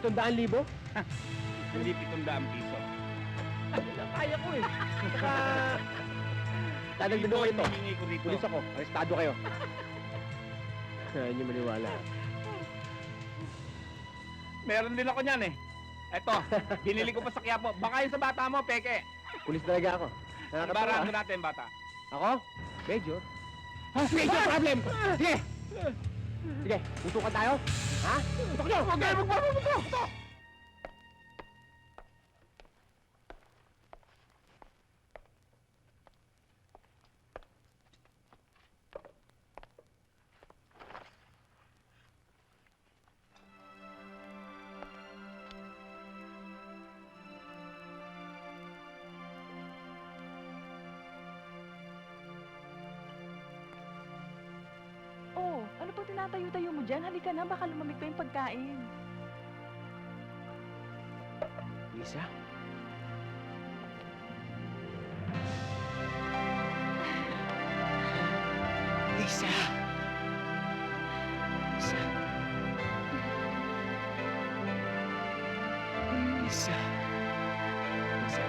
700,000? Hindi 700 piso. Kaya ko eh. Saka... Dadagdagan ko ito. Hihingi ko rito. Pulis ako. Arestado kayo. Kaya niyo maniwala. Meron din ako niyan eh. Eto, binili ko pa sa Quiapo. Baka yung sa bata mo, peke. Pulis talaga ako. Ibarahan ko natin, bata. Ako? Major? Major problem! Sige! Sige, tutukan tayo. Ha? Tutok nyo! Huwag kayo magpapamutok! Oh, ano pang tinatayo-tayo mo dyan? Halika na, baka lumamig pa yung pagkain. Lisa? Lisa! Lisa! Lisa! Lisa!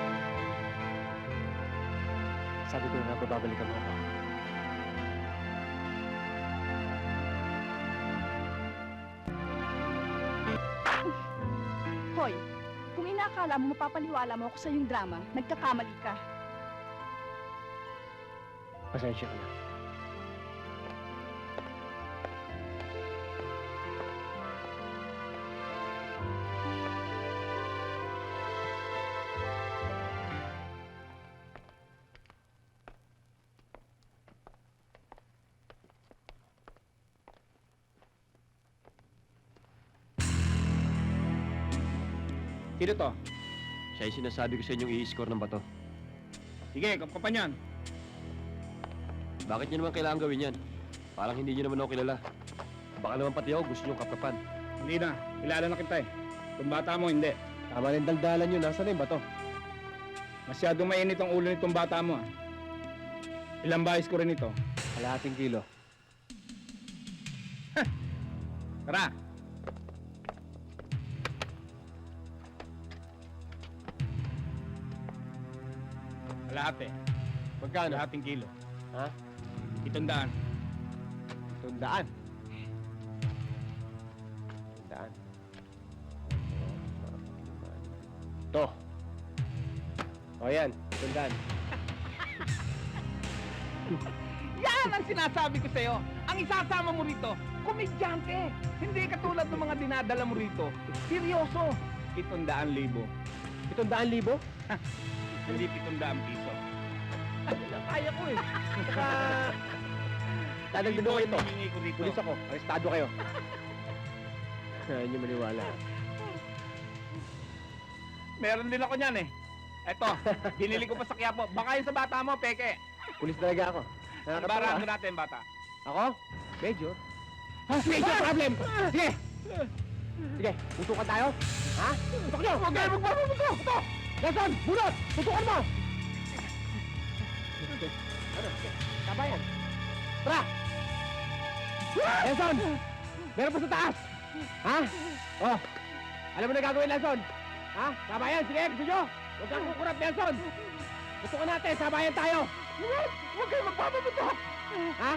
Sabi ko na babalikan mo ako. Hoy, kung inaakala mo mapapaniwala mo ako sa iyong drama, nagkakamali ka. Pasensya ka na. Sino to? Siya yung sinasabi ko sa inyong i-score ng bato. Sige, kapkapan yan. Bakit niyo naman kailangan gawin yan? Parang hindi niyo naman ako kilala. Baka naman pati ako gusto niyong kapapan. Hindi na, kilala na kita eh. Itong bata mo, hindi. Tama rin daldalan niyo. Nasaan na yung bato? Masyadong mainit ang ulo nitong bata mo ah. Ilang bahis ko rin ito. Kalahating kilo. Tara! Kalahati. Magkano? Kalahating kilo. Ha? 700. 100. 100. Ito. O yan, 100. Yan ang sinasabi ko sa'yo. Ang isasama mo rito, komedyante. Hindi katulad ng mga dinadala mo rito. Seryoso. 700,000. 700,000? Hindi 700 piso. Kaya ko eh. Saka... Dadagdagan ko ito. Hihingi ko rito. Pulis ako. Arestado kayo. Kaya niyo maniwala. Meron din ako niyan eh. Eto, binili ko pa sa Quiapo. Baka yung sa bata mo, peke. Pulis talaga ako. Ibarahan ko natin, bata. Ako? Major? Major problem! Sige! Sige, tutukan tayo. Ha? Tutok nyo! Huwag kayo magpapamutok! Tutok! Nelson! Bunot! Tutukan mo! Ano? Kabayan! Tara! Nelson! Meron pa sa taas! Ha? Oh! Alam mo na gagawin, Nelson? Ha? Kabayan! Sige, gusto nyo? Huwag kang kukurap, Nelson! Tutukan natin! Sabayan tayo! Huwag kayo magpapamutok! Ha?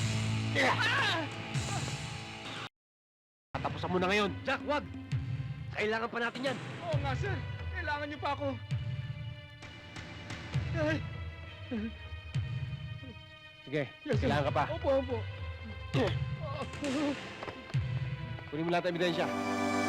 Tapusan mo na ngayon. Jack, wag! Kailangan pa natin yan. Oo nga, sir. Kailangan niyo pa ako. Ay, Sige, yes, sir. kailangan ka pa. Opo, opo. Kunin mo lahat ng ebidensya.